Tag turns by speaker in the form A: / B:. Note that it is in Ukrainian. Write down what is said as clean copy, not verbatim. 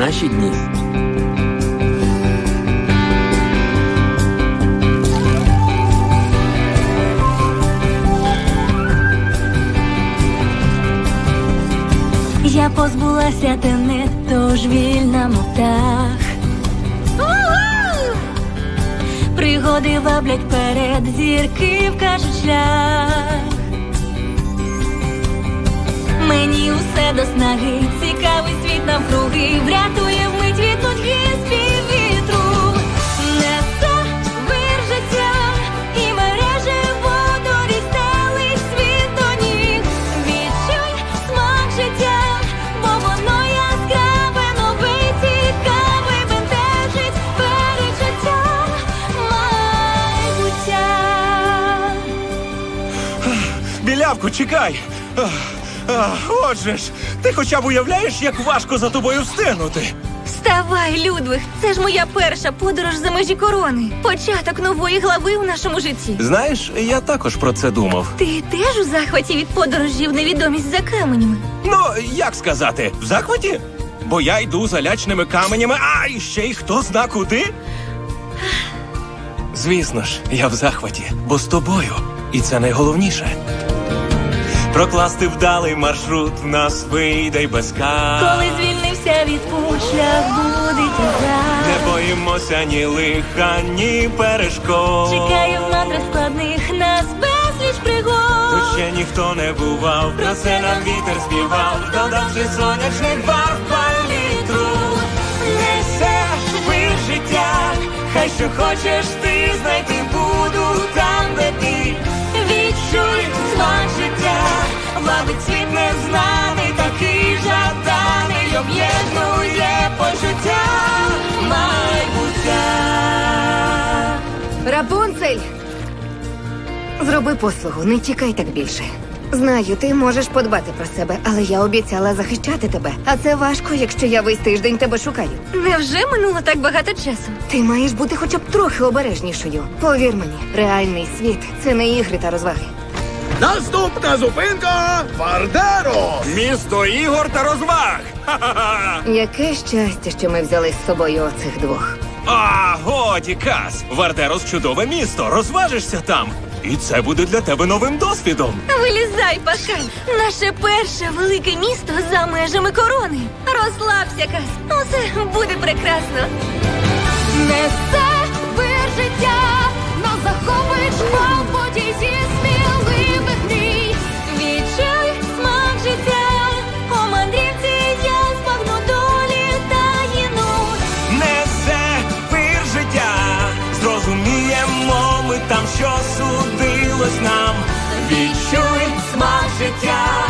A: наші дні.
B: Я позбулася тенет, тож вільна, мов птах. Пригоди ваблять перед, зірки вкажуть шлях. Мені усе до снаги, цікавий світ навкруги, врятує вмить від нудьги спів вітру. Несе вир життя і мереже водорі стелить світ до ніг. Відчуй смак життя, бо воно яскраве, нове й цікаве, бентежить перечуття майбуття.
C: Білявку, чекай! Отже ж, ти хоча б уявляєш, як важко за тобою встигнути?
B: Вставай, Людвиг! Це ж моя перша подорож за межі корони. Початок нової глави в нашому житті.
C: Знаєш, я також про це думав.
B: Ти теж у захваті від подорожі в невідомість за каменями?
C: Ну, як сказати, в захваті? Бо я йду за лячними каменями, а і ще й хто зна куди? Звісно ж, я в захваті, бо з тобою. І це найголовніше. Прокласти вдалий маршрут в нас вийде й без кар.
B: Коли звільнився від пуль, шлях буде тягар.
C: Не боїмося ні лиха, ні перешкод.
B: Чекає в мандрах складних нас безліч пригод.
C: Тут ще ніхто не бував, про це нам вітер співав, додавши сонячних барв палітру. Несе вир життя, хай що хочеш ти знайти буду там, де ти. Відчуй смак життя, вабить світ незнаний, такий жаданий, об'єднує почуття майбуття.
D: Рапунцель! Зроби послугу, не тікай так більше. Знаю, ти можеш подбати про себе, але я обіцяла захищати тебе. А це важко, якщо я весь тиждень тебе шукаю.
B: Невже минуло так багато часу?
D: Ти маєш бути хоча б трохи обережнішою. Повір мені, реальний світ – це не ігри та розваги.
E: Наступна зупинка – Вардеро!
C: Місто ігор та розваг! Ха-ха-ха!
D: Яке щастя, що ми взяли з собою оцих двох.
C: А, годі, Кас! Вардерос – чудове місто, розважишся там. І це буде для тебе новим досвідом.
B: Вилізай, Паскаль! Наше перше велике місто за межами корони. Розслабся, Кас. Усе буде прекрасно. Несе вир життя, нас захопить шквал подій зі сміливих мрій. Відчуй смак життя, у мандрівці я збагну долі таїну.
C: Несе вир життя, зрозуміємо ми там, що судилось нам. Відчуй смак життя,